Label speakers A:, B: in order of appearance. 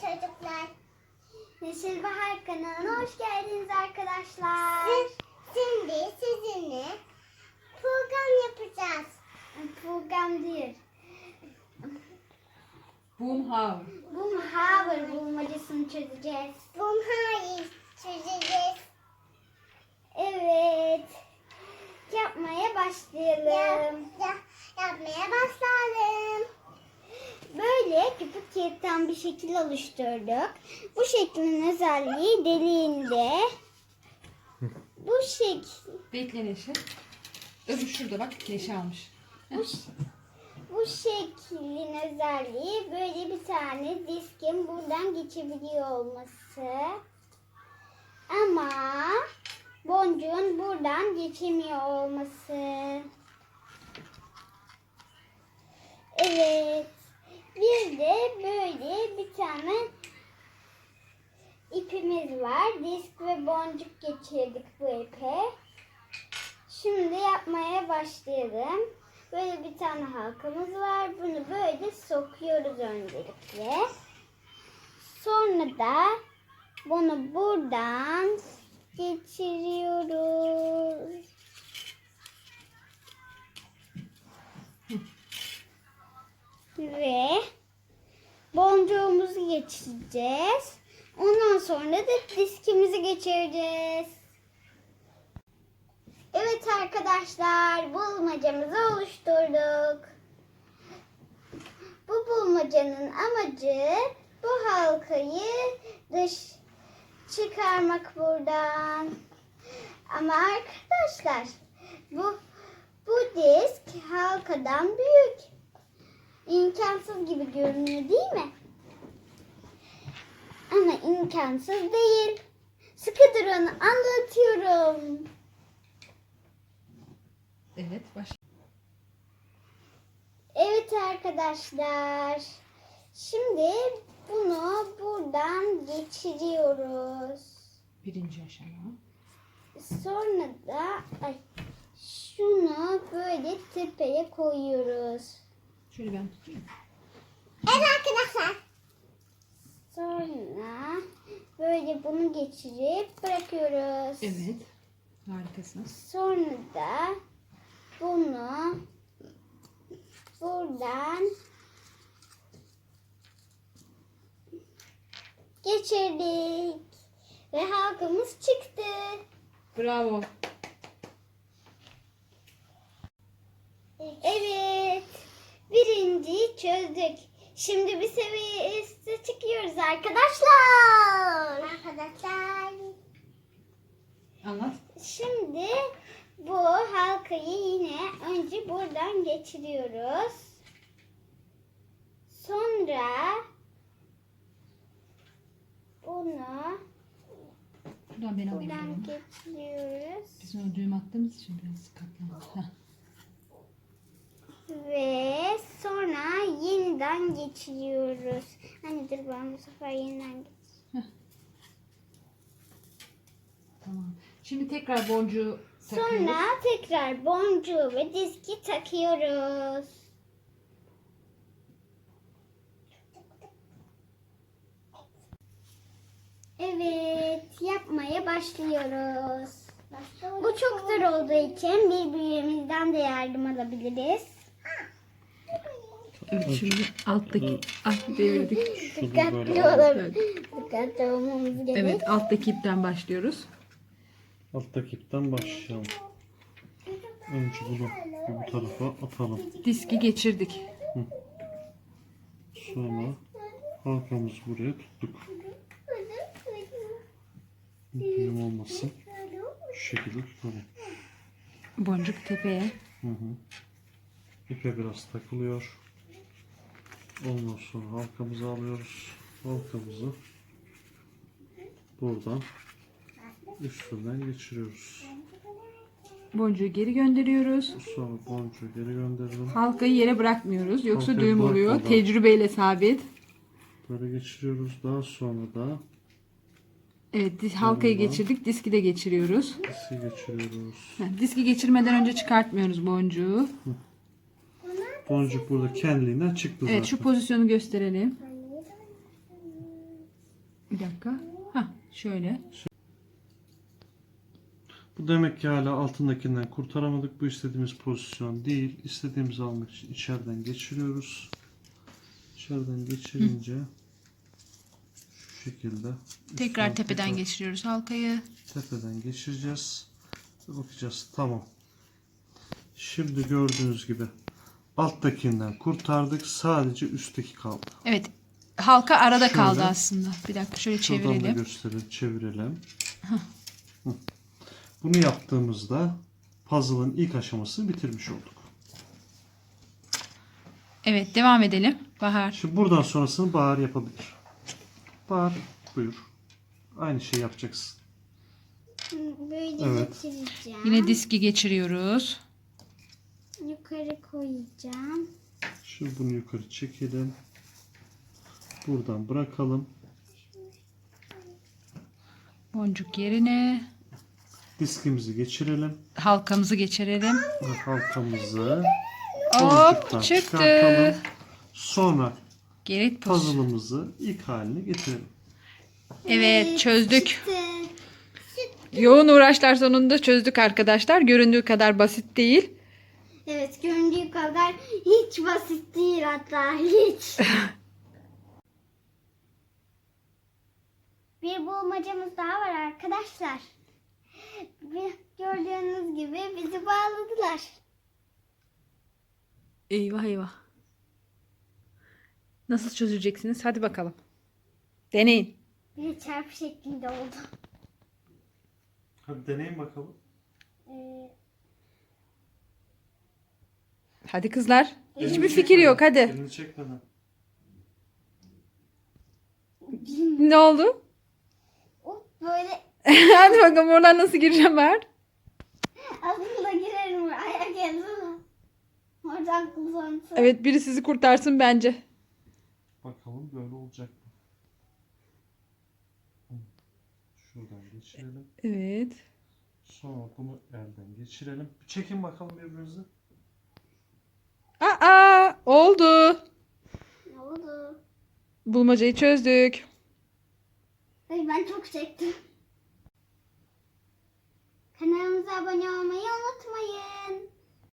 A: çocuklar.
B: Neşil Bahar kanalına hoş geldiniz arkadaşlar.
A: Şimdi sizinle program yapacağız.
B: Program değil.
C: Boomhauer.
B: Boomhauer bulmacasını çözeceğiz.
A: Bunları çözeceğiz.
B: Evet. Yapmaya başlayalım.
A: Yapmaya başlayalım.
B: Böyle köpük kağıttan bir şekil oluşturduk. Bu şeklin özelliği deliğinde. Bu şekil.
C: Bekle Neşe. Öbür şurada bak Neşe almış.
B: Bu şeklin özelliği böyle bir tane diskin buradan geçebiliyor olması. Ama boncuğun buradan geçemiyor olması. Evet. Bir de böyle bir tane ipimiz var. Disk ve boncuk geçirdik bu ipe. Şimdi yapmaya başlayalım. Böyle bir tane halkamız var. Bunu böyle sokuyoruz öncelikle. Sonra da bunu buradan geçiriyoruz. Ve boncuğumuzu geçireceğiz. Ondan sonra da diskimizi geçireceğiz. Evet arkadaşlar, bulmacamızı oluşturduk. Bu bulmacanın amacı bu halkayı çıkarmak buradan. Ama arkadaşlar bu disk halkadan büyük. İmkansız gibi görünüyor değil mi? Ama imkansız değil. Sıkı durun, anlatıyorum.
C: Evet baş.
B: Evet arkadaşlar. Şimdi bunu buradan geçiriyoruz.
C: Birinci aşama.
B: Sonra da şunu böyle tepeye koyuyoruz.
C: Şöyle ben tutayım.
A: Evet arkadaşlar.
B: Sonra böyle bunu geçirip bırakıyoruz.
C: Evet. Harikasınız.
B: Sonra da bunu buradan geçirdik. Ve halkamız çıktı.
C: Bravo.
B: Evet. Birinciyi çözdük. Şimdi bir seviye üstü çıkıyoruz arkadaşlar.
A: Arkadaşlar.
C: Anlat.
B: Şimdi bu halkayı yine önce buradan geçiriyoruz. Sonra bunu
C: Şuradan ben alayım.
B: buradan
C: Şöyle.
B: geçiriyoruz.
C: Biz onu düğüm attığımız için biraz katlandı. Heh.
B: Ve sonra yeniden geçiriyoruz. Hani dur ben bu sefer yeniden geçireyim.
C: Tamam. Şimdi tekrar boncuğu takıyoruz.
B: Sonra tekrar boncuğu ve diski takıyoruz. Evet, yapmaya başlıyoruz. Bu çok zor olduğu için birbirimizden de yardım alabiliriz.
C: Evet şimdi alttaki devirdik.
B: Dikkatli olalım. Dikkatli olmamız gerek.
C: Evet alttaki ipten başlıyoruz.
D: Alttaki ipten başlayalım. Önce bunu bu tarafa atalım.
C: Diski geçirdik.
D: Sonra halkamızı buraya tuttuk. Düğüm olmasın. Şu şekilde tutalım.
C: Boncuk tepeye.
D: İpe biraz takılıyor. Ondan sonra halkamızı alıyoruz. Halkamızı buradan üstünden geçiriyoruz.
C: Boncuğu geri gönderiyoruz.
D: Sonra boncuğu geri gönderelim.
C: Halkayı yere bırakmıyoruz. Yoksa
D: Halkayı
C: düğüm oluyor.
D: bırakmadan.
C: Tecrübeyle sabit.
D: Böyle geçiriyoruz. Daha sonra da
C: Evet halkayı
D: Tamam.
C: geçirdik. Diski de geçiriyoruz.
D: diski geçiriyoruz.
C: Diski geçirmeden önce çıkartmıyoruz boncuğu.
D: Boncuk burada kendiliğinden çıktı zaten.
C: Evet şu pozisyonu gösterelim. Bir dakika. Ha, şöyle.
D: Bu demek ki hala altındakinden kurtaramadık. Bu istediğimiz pozisyon değil. İstediğimizi almak için içeriden geçiriyoruz. İçeriden geçirince şu şekilde
C: Tekrar
D: üstten
C: tepeden
D: tekrar
C: geçiriyoruz halkayı.
D: tepeden geçireceğiz. Ve bakacağız. Tamam. Şimdi gördüğünüz gibi alttakinden kurtardık. Sadece üstteki kaldı.
C: Evet. Halka arada
D: Şöyle.
C: kaldı aslında. Bir dakika şöyle
D: Şuradan da
C: çevirelim.
D: gösterelim, çevirelim. Hı. Bunu yaptığımızda puzzle'ın ilk aşamasını bitirmiş olduk.
C: Evet, devam edelim. Bahar.
D: Şimdi buradan sonrasını Bahar yapabilir. Bahar buyur. Aynı şeyi yapacaksın.
B: Böyle
D: Evet.
B: geçireceğim.
C: Yine diski geçiriyoruz.
B: Yukarı koyacağım.
D: Şimdi bunu yukarı çekelim. Buradan bırakalım.
C: Boncuk yerine.
D: Diskimizi geçirelim.
C: Halkamızı geçirelim.
D: Ve halkamızı
C: Hop,
D: boncuktan
C: çıktı.
D: çıkartalım. Sonra
C: Geri poz.
D: puzzle'ımızı ilk haline getirelim.
C: Evet, çözdük.
B: Çıktı.
C: Yoğun uğraşlar sonunda çözdük arkadaşlar. Göründüğü kadar basit değil.
B: Evet, göründüğü kadar hiç basit değil, hatta hiç. Bir bulmacamız daha var arkadaşlar. Gördüğünüz gibi bizi bağladılar.
C: Eyvah eyvah. Nasıl çözeceksiniz? Hadi bakalım. Deneyin.
B: Bir çarpı şeklinde oldu.
D: Hadi deneyin bakalım.
C: Hadi kızlar. Hiçbir
D: Elini
C: fikir
D: çekmeden,
C: yok. Hadi.
D: Elini çekmeden.
C: Ne oldu?
B: Böyle
C: Hadi bakalım oradan nasıl gireceğim ben?
B: aslında girerim ayak yazılı. Oradan kullansın.
C: Evet, biri sizi kurtarsın bence.
D: Bakalım böyle olacak mı? Şuradan geçirelim.
C: Evet.
D: Sonra bunu elden geçirelim. Bir çekin bakalım birbirinizi.
C: Aa, oldu.
B: Ne oldu?
C: Bulmacayı çözdük.
B: Ay, ben çok çektim. Kanalımıza abone olmayı unutmayın.